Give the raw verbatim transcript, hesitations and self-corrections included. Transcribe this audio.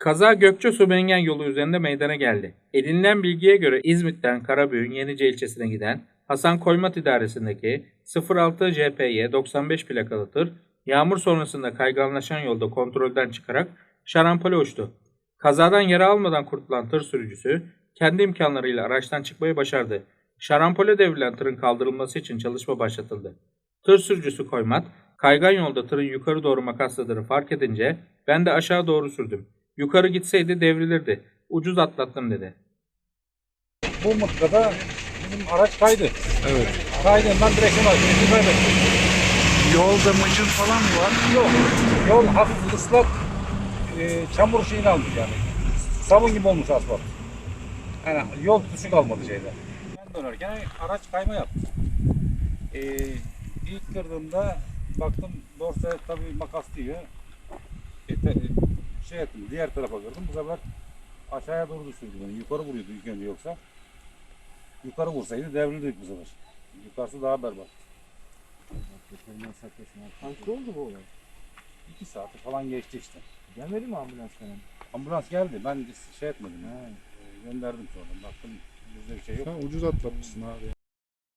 Kaza Gökçe-Subengen yolu üzerinde meydana geldi. Edinilen bilgiye göre İzmit'ten Karabüğün Yenice ilçesine giden Hasan Koymat idaresindeki sıfır altı C P Y doksan beş plakalı tır, yağmur sonrasında kayganlaşan yolda kontrolden çıkarak şarampole uçtu. Kazadan yara almadan kurtulan tır sürücüsü kendi imkanlarıyla araçtan çıkmayı başardı. Şarampole devrilen tırın kaldırılması için çalışma başlatıldı. Tır sürücüsü Koymat, kaygan yolda tırın yukarı doğru makasladığını fark edince ben de aşağı doğru sürdüm. Yukarı gitseydi devrilirdi. Ucuz atlattım dedi. Bu mıtkada bizim araç kaydı. Evet. Kaydığından direksiyon açtı. Kaybettim. Yolda mıcır falan mı var? Yok. Yol hafif ıslak, e, çamur şeyini almış yani. Sabun gibi olmuş asfalt. Yani yol tutuşu kalmadı şeyde. Ben dönerken araç kayma yaptı. E, ilk kırdığımda baktım dorsa tabii makas diyor. E, te, şey ettim, diğer tarafa kırdım. Bu sefer aşağıya doğru düşürdü beni. Yukarı vuruyordu ilk önce yoksa. Yukarı vursaydı devrilirdik bu sefer. Yukarısı daha berbat. Kaçta oldu bu olay? İki saati falan geçti işte. Gelmedi mi ambulans falan? Ambulans geldi. Ben şey etmedim. He. Gönderdim sonra. Baktım bizde bir şey yok. Sen ucuz atlatmışsın abi.